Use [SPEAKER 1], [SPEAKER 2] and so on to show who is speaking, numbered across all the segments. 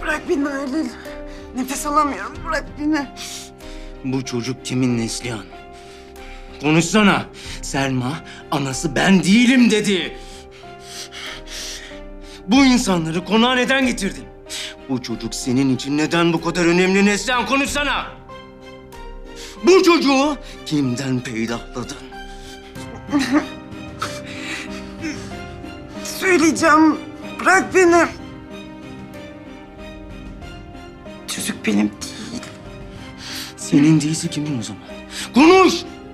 [SPEAKER 1] Bırak beni Halil. Nefes alamıyorum. Bırak beni.
[SPEAKER 2] Bu çocuk kimin Neslihan? Konuşsana. Selma, anası ben değilim dedi. Bu insanları konağa neden getirdin? Bu çocuk senin için neden bu kadar önemli Neslihan? Konuşsana. Bu çocuğu kimden peydahladın?
[SPEAKER 1] Söyleyeceğim. Bırak beni. Çocuk benim değil.
[SPEAKER 2] Senin değilse kimin o zaman? Konuş!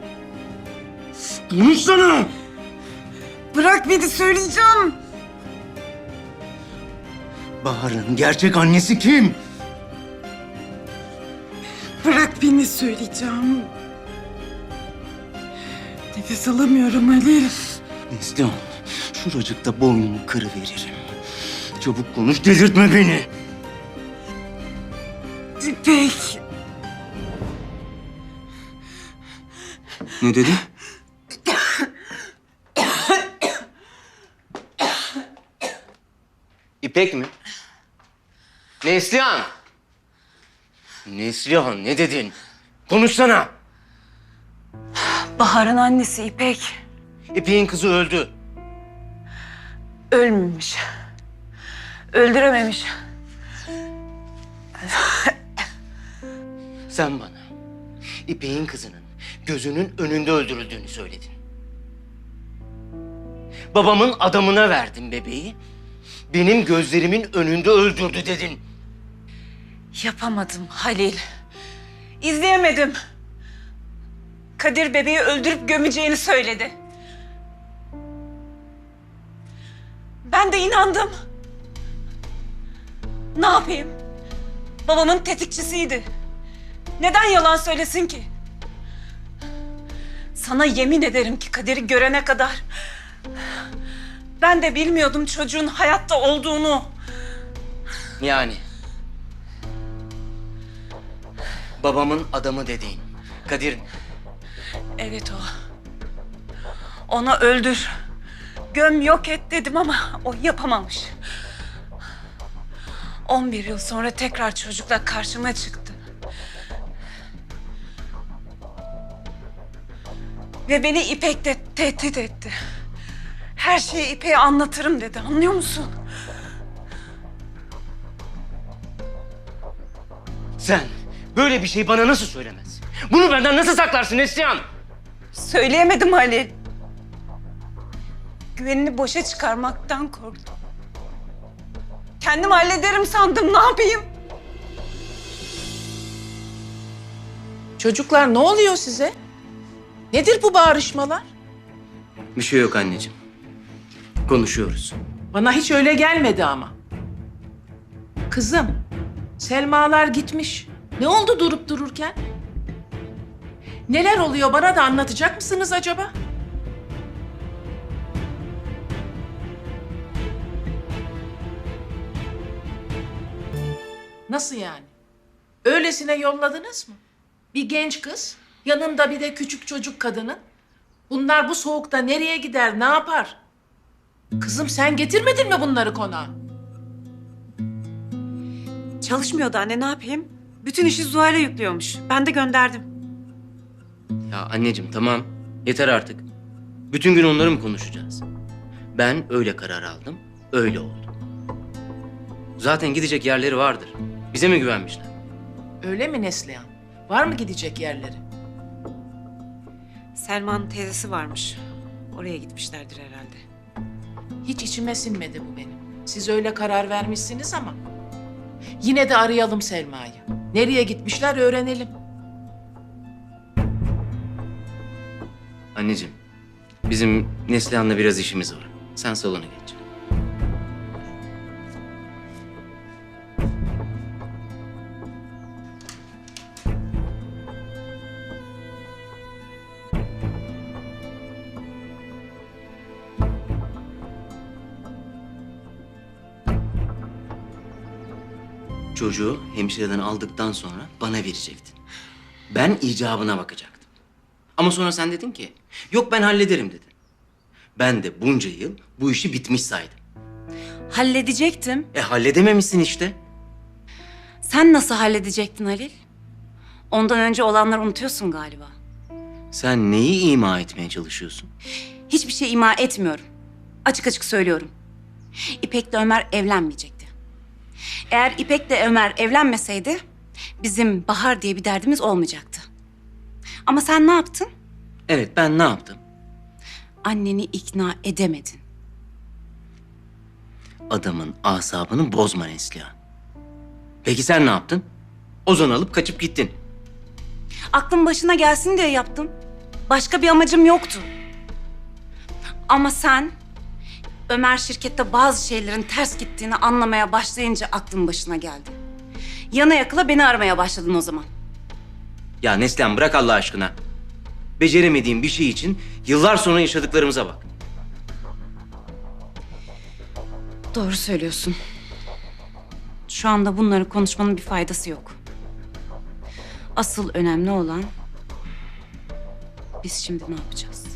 [SPEAKER 2] Konuşsana!
[SPEAKER 1] Bırak beni, söyleyeceğim.
[SPEAKER 2] Bahar'ın gerçek annesi kim?
[SPEAKER 1] Bırak beni, söyleyeceğim. Nefes alamıyorum Halil.
[SPEAKER 2] Neslihan, şuracıkta boynumu kırıveririm. Çabuk konuş, delirtme beni.
[SPEAKER 1] İpek.
[SPEAKER 2] Ne dedi? İpek mi? Neslihan! Neslihan, ne dedin? Konuşsana!
[SPEAKER 1] Bahar'ın annesi İpek.
[SPEAKER 2] İpek'in kızı öldü.
[SPEAKER 1] Ölmemiş. Öldürememiş.
[SPEAKER 2] Sen bana İpek'in kızının gözünün önünde öldürüldüğünü söyledin. Babamın adamına verdin bebeği. Benim gözlerimin önünde öldürdü dedin.
[SPEAKER 1] Yapamadım Halil. İzleyemedim. Kadir bebeği öldürüp gömeceğini söyledi. Ben de inandım. Ne yapayım? Babamın tetikçisiydi. Neden yalan söylesin ki? Sana yemin ederim ki Kadir'i görene kadar ben de bilmiyordum çocuğun hayatta olduğunu.
[SPEAKER 2] Yani babamın adamı dediğin Kadir mi?
[SPEAKER 1] Evet o. Onu öldür. Göm, yok et dedim ama o yapamamış. 11 yıl sonra tekrar çocukla karşıma çıktı. Ve beni İpek de tehdit etti. Her şeyi İpek'e anlatırım dedi. Anlıyor musun?
[SPEAKER 2] Sen böyle bir şey bana nasıl söylemezsin? Bunu benden nasıl saklarsın Neslihan?
[SPEAKER 1] Söyleyemedim Halil. Güvenini boşa çıkarmaktan korktum. Kendim hallederim sandım. Ne yapayım?
[SPEAKER 3] Çocuklar ne oluyor size? Nedir bu bağırışmalar?
[SPEAKER 2] Bir şey yok anneciğim. Konuşuyoruz.
[SPEAKER 3] Bana hiç öyle gelmedi ama. Kızım, Selmalar gitmiş. Ne oldu durup dururken? Neler oluyor bana da anlatacak mısınız acaba? Nasıl yani? Öylesine yolladınız mı? Bir genç kız, yanında bir de küçük çocuk kadının. Bunlar bu soğukta nereye gider, ne yapar? Kızım sen getirmedin mi bunları konağa?
[SPEAKER 4] Çalışmıyordu anne, ne yapayım? Bütün işi Zuhal'e yüklüyormuş. Ben de gönderdim.
[SPEAKER 2] Ya anneciğim tamam. Yeter artık. Bütün gün onları mı konuşacağız? Ben öyle karar aldım. Öyle oldu. Zaten gidecek yerleri vardır. Bize mi güvenmişler?
[SPEAKER 3] Öyle mi Neslihan? Var mı gidecek yerleri?
[SPEAKER 4] Selma'nın teyzesi varmış. Oraya gitmişlerdir herhalde.
[SPEAKER 3] Hiç içime sinmedi bu benim. Siz öyle karar vermişsiniz ama. Yine de arayalım Selma'yı. Nereye gitmişler öğrenelim.
[SPEAKER 2] Anneciğim, bizim Neslihan'la biraz işimiz var. Sen salona geç. Çocuğu hemşireden aldıktan sonra bana verecektin. Ben icabına bakacaktım. Ama sonra sen dedin ki, yok ben hallederim dedin. Ben de bunca yıl bu işi bitmiş saydım.
[SPEAKER 4] Halledecektim.
[SPEAKER 2] Halledememişsin işte.
[SPEAKER 1] Sen nasıl halledecektin Halil? Ondan önce olanları unutuyorsun galiba.
[SPEAKER 2] Sen neyi ima etmeye çalışıyorsun?
[SPEAKER 1] Hiçbir şey ima etmiyorum. Açık açık söylüyorum. İpek'le Ömer evlenmeyecekti. Eğer İpek'le Ömer evlenmeseydi bizim Bahar diye bir derdimiz olmayacaktı. Ama sen ne yaptın?
[SPEAKER 2] Evet, ben ne yaptım?
[SPEAKER 1] Anneni ikna edemedin.
[SPEAKER 2] Adamın asabını bozma Neslihan. Peki sen ne yaptın? Ozan'ı alıp kaçıp gittin.
[SPEAKER 1] Aklın başına gelsin diye yaptım. Başka bir amacım yoktu. Ama sen Ömer şirkette bazı şeylerin ters gittiğini anlamaya başlayınca aklın başına geldi. Yana yakıla beni aramaya başladın o zaman.
[SPEAKER 2] Ya Neslihan bırak Allah aşkına. Beceremediğim bir şey için yıllar sonra yaşadıklarımıza bak.
[SPEAKER 1] Doğru söylüyorsun. Şu anda bunları konuşmanın bir faydası yok. Asıl önemli olan biz şimdi ne yapacağız?